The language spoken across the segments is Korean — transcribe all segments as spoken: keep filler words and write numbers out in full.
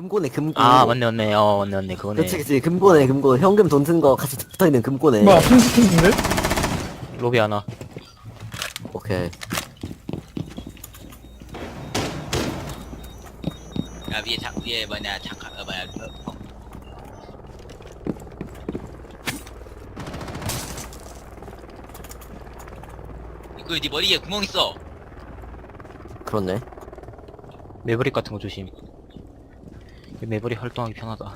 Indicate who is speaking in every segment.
Speaker 1: 금고네 금고.
Speaker 2: 아 맞네 맞네 어 맞네 맞네 그거네.
Speaker 1: 그치 그치 금고네 금고. 현금 돈 든 거 같이 붙어있는 금고네.
Speaker 3: 뭐야 핑스킨인데?
Speaker 2: 로비 하나.
Speaker 1: 오케이.
Speaker 4: 야 위에 장 위에 뭐냐 장갑 어 뭐야 어, 어. 그네 머리에 구멍 있어.
Speaker 1: 그렇네.
Speaker 2: 매브릭 같은 거 조심. 매브릭 활동하기 편하다.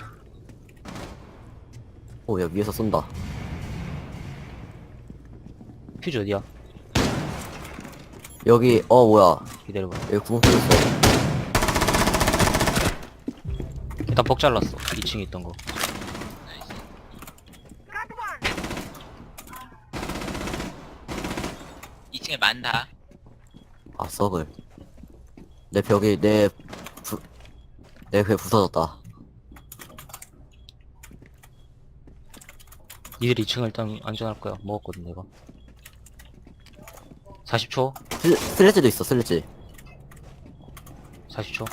Speaker 1: 오야 위에서 쏜다.
Speaker 2: 퓨즈 어디야?
Speaker 1: 여기 어 뭐야
Speaker 2: 기다려봐.
Speaker 1: 여기 구멍 뚫렸어.
Speaker 2: 일단 벅 잘랐어. 이 층에 있던 거.
Speaker 4: 나이스. 이 층에 많다.
Speaker 1: 아 썩을. 내 벽이 내 부... 내 벽에 부서졌다.
Speaker 2: 니들 이 층을 일단 안전할 거야. 먹었거든 내가. 사십 초.
Speaker 1: 슬, 슬래지도 있어 슬래지.
Speaker 2: 사십 초.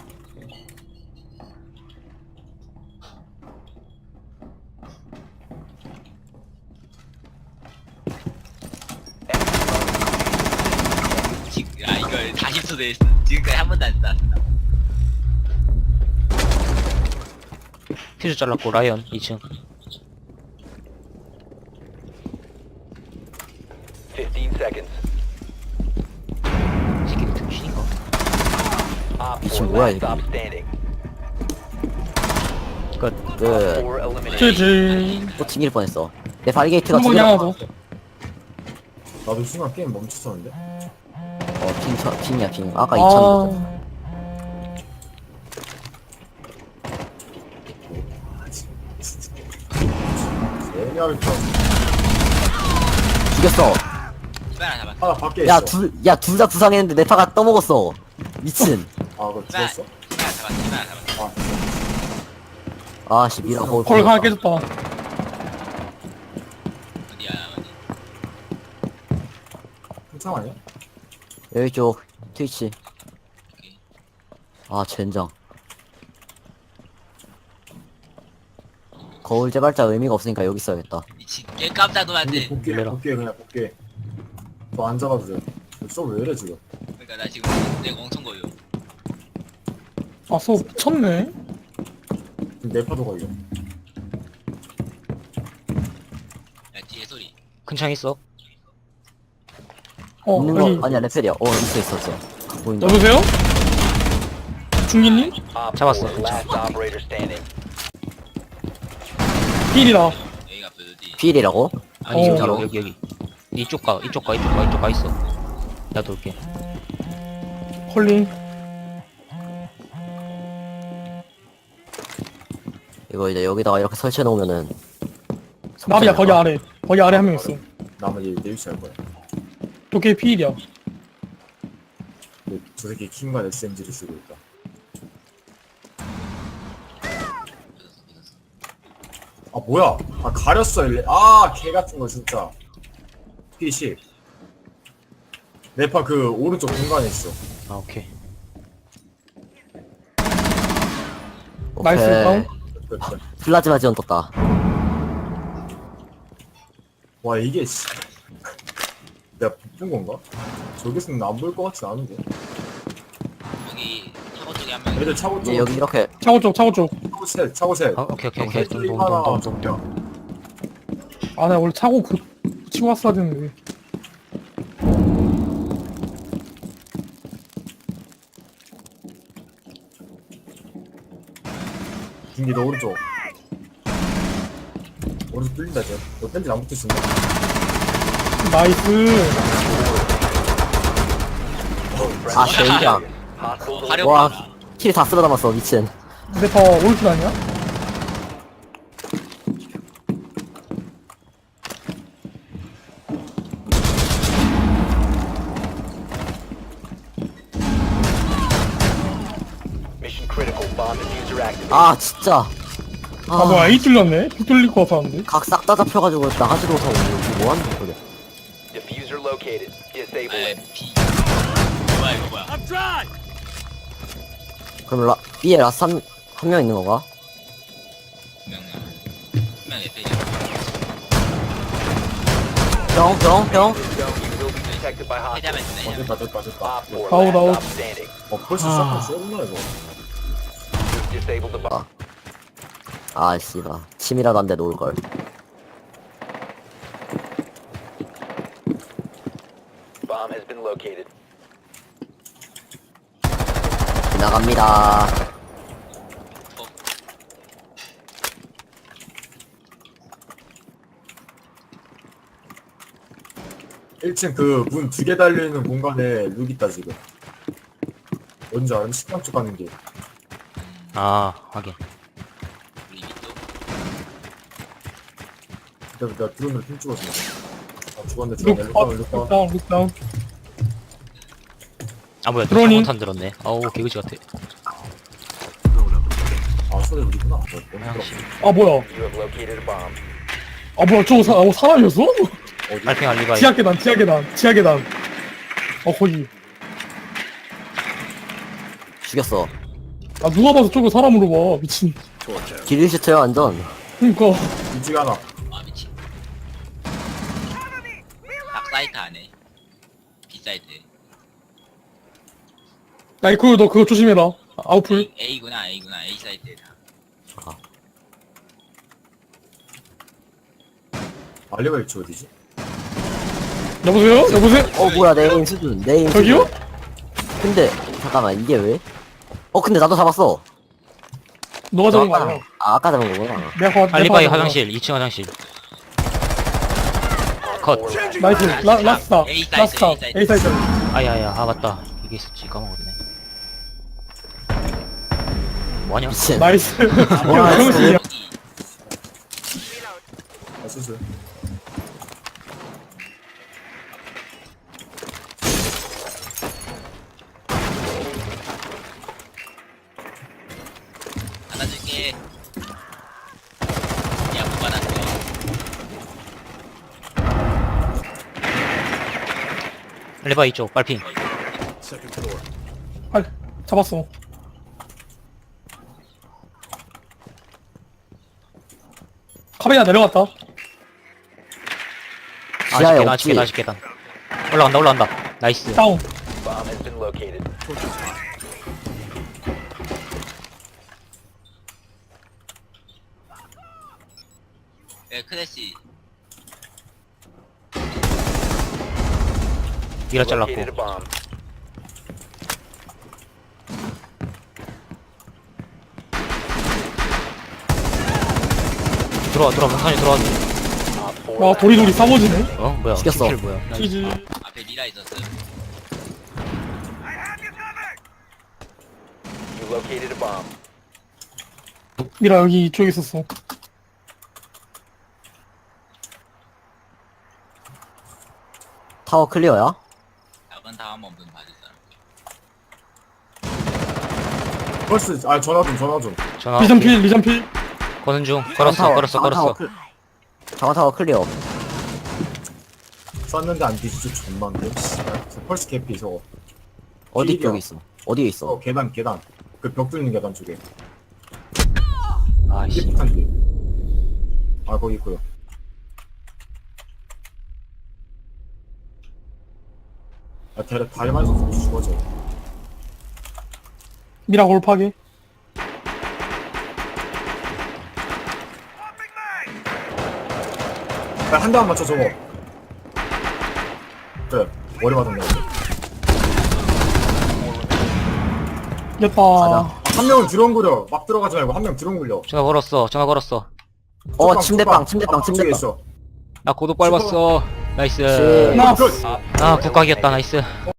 Speaker 4: 지금 아 이거 사십 초 됐어. 지금까지 한 번도 안 쐈어.
Speaker 2: 퓨즈 잘랐고 라이언 이 층.
Speaker 5: fifteen seconds.
Speaker 2: 새끼들 등신인가?
Speaker 5: Op
Speaker 1: 미친
Speaker 5: four
Speaker 1: 뭐야,
Speaker 5: last
Speaker 1: 이거.
Speaker 5: stop standing.
Speaker 2: 끝.
Speaker 1: 끝.
Speaker 5: four eliminated.
Speaker 3: 지지.
Speaker 1: 또 튕길 뻔했어. 내 발게이트가
Speaker 3: 한번
Speaker 1: 튕겨.
Speaker 3: 향하고.
Speaker 6: 나도 순간 게임 멈췄었는데?
Speaker 1: 어핑 쳐 핑이야 핑. 아까 이천.
Speaker 3: 아.
Speaker 6: 예리할 줄
Speaker 1: 죽였어.
Speaker 4: 이발 하나 잡았어.
Speaker 6: 하나 밖에
Speaker 1: 야
Speaker 6: 있어.
Speaker 1: 둘 야 둘 다 부상했는데 내 파가 떠먹었어. 미친.
Speaker 6: 아 그거
Speaker 4: 이발
Speaker 6: 죽었어?
Speaker 4: 이발 하나 잡았어. 이발 하나 잡았어.
Speaker 6: 아
Speaker 1: 아씨 미라 거울.
Speaker 3: 거울 하나 깨졌다.
Speaker 4: 어디야 어디?
Speaker 6: 한참 아니야?
Speaker 1: 여기 쪽 트위치.
Speaker 4: 오케이.
Speaker 1: 아 젠장. 거울 재발자 의미가 없으니까 여기 있어야겠다.
Speaker 4: 미친 개 깜짝 놀랐네.
Speaker 6: 여기 복귀
Speaker 2: 놀래라.
Speaker 6: 복귀 그냥 복귀 너 안 잡아도 돼. 쏘왜 이래 지금?
Speaker 4: 그러니까 나 지금 내가 엄청 거요.
Speaker 3: 아서 미쳤네.
Speaker 6: 지금 내 파도 걸려.
Speaker 4: 야 뒤에 소리.
Speaker 2: 큰 창 있어.
Speaker 3: 어
Speaker 1: 있는
Speaker 3: 여기
Speaker 1: 거 아니야 레펠이야. 어 있어 있었어. 보인다.
Speaker 3: 여보세요? 중기님?
Speaker 5: Op
Speaker 2: 잡았어.
Speaker 5: four last operator standing.
Speaker 3: 필이다.
Speaker 4: 여기가 어디?
Speaker 1: 필이라고?
Speaker 2: 아니
Speaker 3: 어.
Speaker 2: 여기
Speaker 1: 진짜로?
Speaker 2: 여기 여기. 이쪽 가 이쪽 가 이쪽 가 이쪽 가 있어. 나 돌게.
Speaker 3: 컬링.
Speaker 1: 이거 이제 여기다가 이렇게 설치해 놓으면은.
Speaker 3: 나비야 거기 아래. 거기 아래 한 명 있어.
Speaker 6: 나만 얘 내 위치 알 거야.
Speaker 3: 도끼 필이야.
Speaker 6: 근데 저 새끼 킹과 에스엠지를 쓰고 있다. 아 뭐야? 아 가렸어 일레. 아개 같은 거 진짜. 피십. 내파 그 오른쪽 공간에 있어.
Speaker 2: 아 오케이.
Speaker 3: 나이스 다운.
Speaker 6: 끝, 끝.
Speaker 1: 플라즈마 지원 떴다.
Speaker 6: 와 이게 씨. 내가 본 건가? 저기서는 안 보일 것 같진 않은데.
Speaker 4: 여기 차고 쪽에 한 명.
Speaker 6: 애들 차고 쪽.
Speaker 1: 이제 여기 이렇게
Speaker 3: 차고 쪽 차고 쪽.
Speaker 6: 차고 셋. 차고 셋.
Speaker 2: 아 오케이 오케이 오케이.
Speaker 6: 셋 하나
Speaker 2: 똥똥똥똥.
Speaker 6: 정면.
Speaker 3: 아 나 원래 차고 그 치고 왔어야 되는데.
Speaker 6: 중기 너 오른쪽. 오른쪽 뚫린다 쟤. 너 펜지 안 붙으신다.
Speaker 3: 나이스.
Speaker 1: 아 젠장.
Speaker 5: Hostiles
Speaker 4: 화력
Speaker 1: 와
Speaker 4: 봐.
Speaker 1: 킬 다 쓸어 담았어 미친.
Speaker 3: 내파 올킬 아니야?
Speaker 5: mission critical. Bomb diffuser activated.
Speaker 1: 아 진짜.
Speaker 3: 아 뭐야 A 뚫렸네? B 뚫릴 것 같았는데.
Speaker 1: 각 싹 다 잡혀가지고 나가지도 못하고 이거 뭐하는 거야.
Speaker 5: Diffuser located. Disable
Speaker 4: 에
Speaker 5: it.
Speaker 4: 비. 뭐야 이거 뭐야?
Speaker 1: 그럼 라 B에 라산 한 명 있는 건가?
Speaker 4: 분명히 분명 에페이
Speaker 1: 병, 병, 병.
Speaker 5: Zone, you will be detected by
Speaker 4: 해자면
Speaker 5: hostiles.
Speaker 4: 되네.
Speaker 6: 어, 됐다, 됐다, 됐다.
Speaker 5: Op four,
Speaker 3: 아웃,
Speaker 5: last
Speaker 3: 아웃.
Speaker 5: stop standing.
Speaker 6: 어, 벌써
Speaker 3: 아.
Speaker 6: 시작한 쎄구나, 이거.
Speaker 5: You've disabled the bomb.
Speaker 1: 아, 씨발. 침이라도 안 돼 놓을걸.
Speaker 5: Bomb has been located.
Speaker 1: 지나갑니다.
Speaker 6: 일 층 그 문 두 개 달려있는 공간에 룩 있다, 지금. 뭔지 알아? 식당 쪽 가는 길.
Speaker 2: 아 확인.
Speaker 4: 우리 밑도
Speaker 6: 그때 내가 드론으로 핀 찍어줘. 아, 죽었네,
Speaker 3: 룩,
Speaker 6: 죽었네.
Speaker 3: 업,
Speaker 6: 룩다운, 룩다운.
Speaker 3: 룩다운, 룩다운.
Speaker 2: 아 뭐야 또
Speaker 3: 드로닝.
Speaker 2: 창문탄 들었네. 어우 개그지 같아.
Speaker 6: 아, 소리 우리구나. 어, 너무
Speaker 2: 화장실.
Speaker 3: 아, 뭐야.
Speaker 5: You have located a bomb.
Speaker 3: 아, 뭐야. 저거 사, 어, 사람이었어?
Speaker 6: 어디?
Speaker 2: 빨핑 알리바이.
Speaker 3: 지하 계단, 지하 계단, 지하 계단. 어, 거기.
Speaker 1: 죽였어.
Speaker 3: 아, 누가 봐서 저거 사람으로 봐. 미친.
Speaker 1: 딜리시트야, 완전.
Speaker 3: 그니까.
Speaker 6: 일찍 하나.
Speaker 4: 아 미친 딱 사이트 안에 B 사이트
Speaker 3: 야, 이거 너 그거 조심해라. 아웃풀.
Speaker 4: A구나 A구나 A 사이트에다
Speaker 6: 알리바이 위치 어디지?
Speaker 3: 여보세요? 여보세요?
Speaker 1: 어, 뭐야, 내 에임 수준. 내 에임
Speaker 3: 저기요?
Speaker 1: 수준. 근데, 잠깐만, 이게 왜? 어, 근데 나도 잡았어.
Speaker 3: 너가 잡은 거
Speaker 1: 아까,
Speaker 3: 아니야?
Speaker 1: 아, 아까 잡은 거구나.
Speaker 3: 내가 봐.
Speaker 2: 알리바이
Speaker 3: 내가 봐.
Speaker 2: 화장실 이 층 화장실. 컷.
Speaker 3: 나이스. 라, 라스타.
Speaker 4: A 사이트,
Speaker 3: 라스타.
Speaker 4: A 사이트.
Speaker 3: A 사이트.
Speaker 2: 아야야 아 맞다. 이게 있었지 까먹었네. 뭐하냐?
Speaker 1: 미친.
Speaker 3: 나이스.
Speaker 1: 와,
Speaker 3: 병신이야.
Speaker 4: 여기
Speaker 6: 아, 수술.
Speaker 4: 받아줄게 야못 받았어
Speaker 2: 알리바이 이쪽 빨핑.
Speaker 3: 아, 잡았어. 카베나 내려갔다.
Speaker 1: 지하에
Speaker 2: 아쉽게
Speaker 1: 없지.
Speaker 2: 아쉽게 아쉽게 단. 올라간다 올라간다. 나이스.
Speaker 3: 다운.
Speaker 5: Bomb has been located.
Speaker 4: 네 크래시
Speaker 2: 밀어 잘랐고.
Speaker 5: Located a bomb.
Speaker 2: 들어와 들어와 천천히 들어와.
Speaker 5: Op four,
Speaker 3: 와,
Speaker 5: last
Speaker 3: 도리도리 싸워지네.
Speaker 2: 어 뭐야?
Speaker 1: 시켰어.
Speaker 2: 스킬 뭐야?
Speaker 3: 치즈.
Speaker 4: 앞에 미라 있었어
Speaker 5: You located a bomb.
Speaker 3: 미라 여기 이쪽에 있었어.
Speaker 1: 타워 클리어야?
Speaker 4: 답은 다음 없는 받을 사람
Speaker 6: 벌스, 아, 전화 좀, 전화 좀.
Speaker 2: 전화.
Speaker 3: 리전필, 리전필.
Speaker 2: 거는 중. 걸었어 걸었어 걸었어.
Speaker 1: 장원 타워 클리어.
Speaker 6: 쐈는데 안 뒤지죠, 존만데. 씨발. 저 펄스 개피, 저거.
Speaker 1: 어디
Speaker 6: 필이야.
Speaker 1: 쪽에 있어? 어디에
Speaker 6: 어,
Speaker 1: 있어?
Speaker 6: 계단, 계단. 그 벽 뚫는 계단 쪽에.
Speaker 2: 아이씨.
Speaker 6: 깨끗한 길. 아, 거기 있고요. 아, 대략 다리 맞아서 죽어져.
Speaker 3: 미라 골파게.
Speaker 6: 야, 한 대만 맞춰, 저거. 그래, 머리 맞았네.
Speaker 3: 이겼다.
Speaker 6: 한 명은 드론 굴려. 막 들어가지 말고 한 명 드론 굴려.
Speaker 2: 전화 걸었어 전화 걸었어.
Speaker 1: 어,
Speaker 6: 쪽방,
Speaker 1: 침대방,
Speaker 6: 쪽방.
Speaker 1: 침대방,
Speaker 6: 아, 쪽에
Speaker 1: 침대방.
Speaker 6: 있어.
Speaker 2: 나 고독 밟았어. 나이스.
Speaker 1: 씨.
Speaker 3: 나
Speaker 6: 굿.
Speaker 2: 아 국각이었다 나이스.